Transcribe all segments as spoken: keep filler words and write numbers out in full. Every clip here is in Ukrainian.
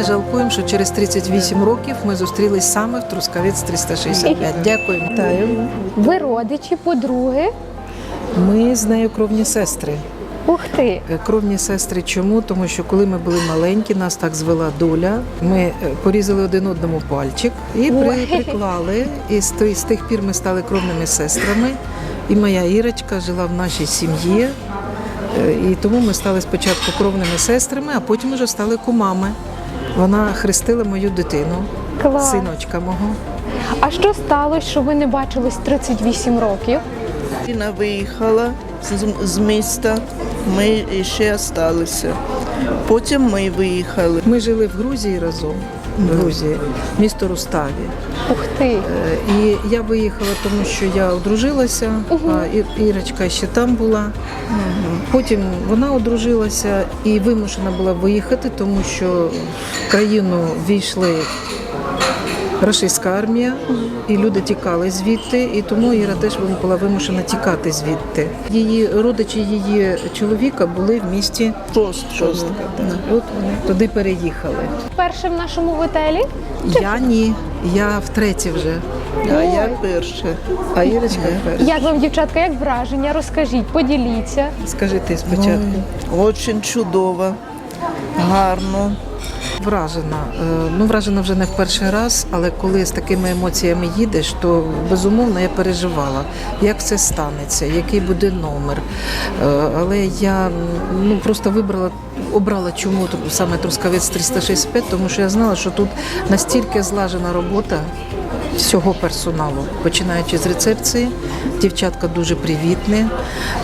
не жалкуємо, що через тридцять вісім років ми зустрілись саме в Трускавець триста шістдесят п'ять. Дякуємо. Вітаю. Ви родичі, подруги? Ми з нею кровні сестри. Ух ти! Кровні сестри чому? Тому що коли ми були маленькі, нас так звела доля. Ми порізали один одному пальчик і при, приклали. І з, з тих пір ми стали кровними сестрами. І моя Ірочка жила в нашій сім'ї. І тому ми стали спочатку кровними сестрами, а потім вже стали кумами. Вона хрестила мою дитину, Клас. синочка мого. А що сталося, що ви не бачились тридцять вісім років? Вона виїхала з, з міста, ми ще залишилися. Потім ми виїхали. Ми жили в Грузії разом, в Грузії, місто Руставі. Ух ти! І я виїхала, тому що я одружилася, а І- Ірочка ще там була. Потім вона одружилася і вимушена була виїхати, тому що в країну війшли рашистська армія, і люди тікали звідти, і тому Іра теж була вимушена тікати звідти. Її родичі її чоловіка були в місті Шост, шост. От вони туди переїхали. Перше в нашому готелі? Я ні, я втретє вже, А я перша. а Ірочка перша. Як вам, дівчатка, як враження? Розкажіть, поділіться. Скажи ти спочатку. Дуже чудово, гарно. Вражена. Е, Ну, вражена вже не в перший раз, але коли з такими емоціями їдеш, то безумовно я переживала, як це станеться, який буде номер. Е, Але я ну, просто вибрала, обрала чому саме Трускавець триста шістдесят п'ять, тому що я знала, що тут настільки злажена робота всього персоналу, починаючи з рецепції, дівчатка дуже привітні, е,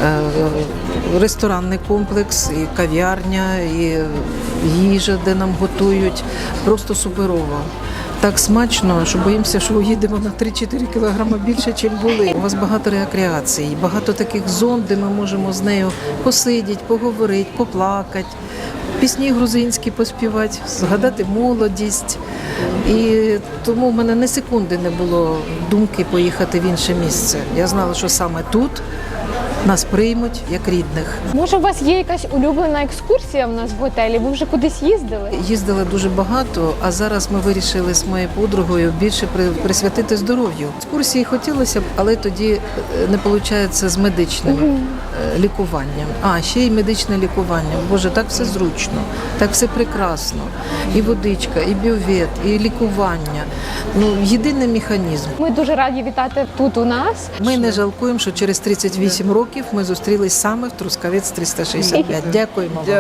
ресторанний комплекс, і кав'ярня, і їжа, де нам готують, просто суперово. Так смачно, що боїмося, що уїдемо на три-чотири кілограми більше, ніж були. У вас багато рекреацій, багато таких зон, де ми можемо з нею посидіти, поговорити, поплакати, пісні грузинські поспівати, згадати молодість. І тому в мене ні секунди не було думки поїхати в інше місце. Я знала, що саме тут нас приймуть як рідних. Може, у вас є якась улюблена екскурсія в нас в готелі? Ви вже кудись їздили? Їздили дуже багато, а зараз ми вирішили з моєю подругою більше при- присвятити здоров'ю. Екскурсії хотілося б, але тоді е, не виходить з медичним е, лікуванням. А, ще й медичне лікування. Боже, так все зручно, так все прекрасно. І водичка, і бювет, і лікування. Ну, єдиний механізм. Ми дуже раді вітати тут у нас. Ми не жалкуємо, що через тридцять вісім років ми зустрілись саме в Трускавець триста шістдесят п'ять. Дякуємо вам.